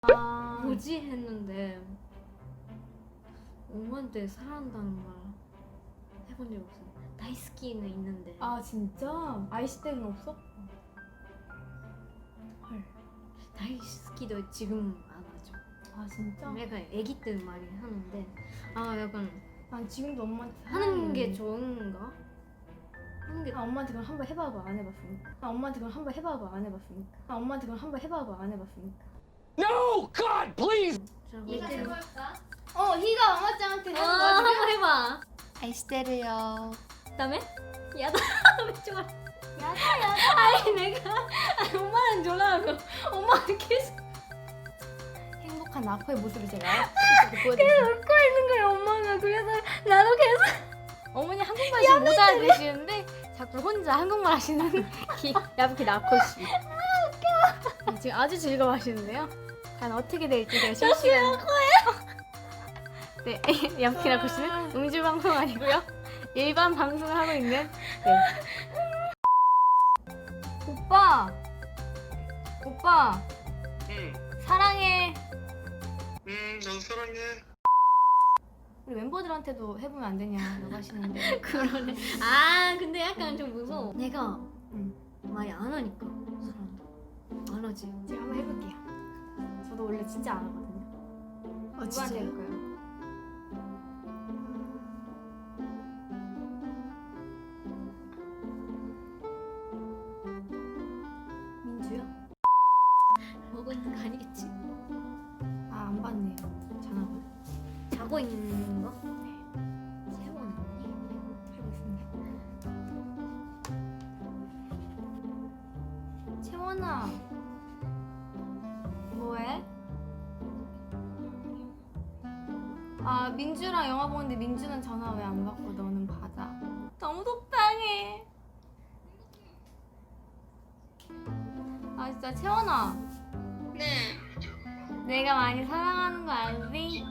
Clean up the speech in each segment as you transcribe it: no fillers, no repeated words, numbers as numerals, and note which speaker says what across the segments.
Speaker 1: 뭐지 했는데 엄마한테 사랑한다는 말 해본 적 없어. 다이스키는 있는데.
Speaker 2: 아 진짜? 아이시 때는 없어? 헐.
Speaker 1: 다이스키도 지금 안 하죠.
Speaker 2: 아 진짜?
Speaker 1: 약간 애기 때 많이 하는데 약간
Speaker 2: 난 지금도 엄마한테
Speaker 1: 하는 게
Speaker 2: 사랑해.
Speaker 1: 좋은가? 하는 게
Speaker 2: 엄마한테 그럼 한번 해봐봐 안 해봤으니까. 엄마한테 그럼 한번 해봐봐 안 해봤으니까. 엄마한테 그럼 한번 해봐봐 안 해봤으니까.
Speaker 3: No, God, please.
Speaker 1: 희가
Speaker 2: 해볼까? 희가 엄마짱한테 하는 거야.
Speaker 1: 한번 해봐.
Speaker 2: 아이시테르요.
Speaker 1: 그다음에 야다 왜 좋아?
Speaker 2: 야다.
Speaker 1: 아니 내가 엄마는 졸라하고 엄마는 계속
Speaker 2: 행복한 나코의 모습을 제가
Speaker 1: 계속 웃고 있는 거야 엄마가. 그래서 나도 계속
Speaker 2: 어머니 한국말 지금 못 알아들으시는데 자꾸 혼자 한국말 하시는 야부키 나코씨. 웃겨. 지금 아주 즐거워하시는데요. 과연 어떻게 될지 제가 실시간. 네, 야부키 나코씨는 음주 방송 아니고요. 일반 방송을 하고 있는. 네. 오빠
Speaker 3: 응,
Speaker 2: 사랑해.
Speaker 3: 난 사랑해.
Speaker 2: 우리 멤버들한테도 해보면 안 되냐고 하시는데.
Speaker 1: 그러네. 근데 약간 좀 무서워. 내가 많이 안 하니까 사람도 안 하지.
Speaker 2: 제가 한번 해볼게요. 저도 원래 진짜 안 하거든요. 누구한테 해볼까요? 민주요?
Speaker 1: 먹고 있는 거 아니겠지?
Speaker 2: 안 받네요. 전화가.
Speaker 1: 자고 있는 거? 세번 언니?
Speaker 2: 해보겠습니다. 채원아, 뭐해? 민주랑 영화 보는데 민주는 전화 왜 안 받고 너는 받아? 너무 속상해. 진짜 채원아.
Speaker 3: 네.
Speaker 2: 내가 많이 사랑하는 거 알지?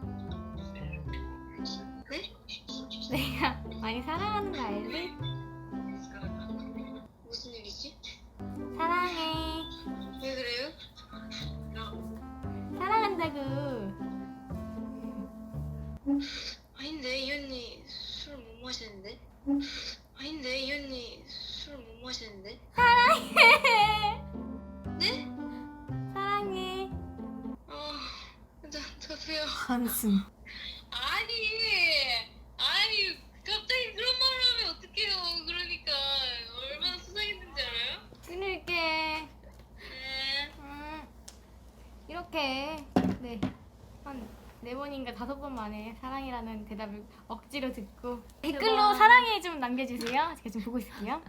Speaker 3: 네?
Speaker 2: 내가 많이 사랑하는 거 알지?
Speaker 3: 무슨 일이지?
Speaker 2: 사랑해.
Speaker 3: 왜 그래요?
Speaker 2: 사랑한다고.
Speaker 3: 아닌데 이 언니 술 못 마시는데? 아닌데 이 언니 술 못 마시는데?
Speaker 2: 사랑해.
Speaker 3: 네?
Speaker 2: 사랑해.
Speaker 3: 저도요.
Speaker 2: 한숨.
Speaker 3: 아니 갑자기 그런 말을 하면 어떡해요. 그러니까 얼마나 수상했는지 알아요?
Speaker 2: 끊을게.
Speaker 3: 네.
Speaker 2: 이렇게 한 4번인가 5번 만에 사랑이라는 대답을 억지로 듣고 댓글로 사랑해 좀 남겨주세요. 제가 좀 보고 있을게요.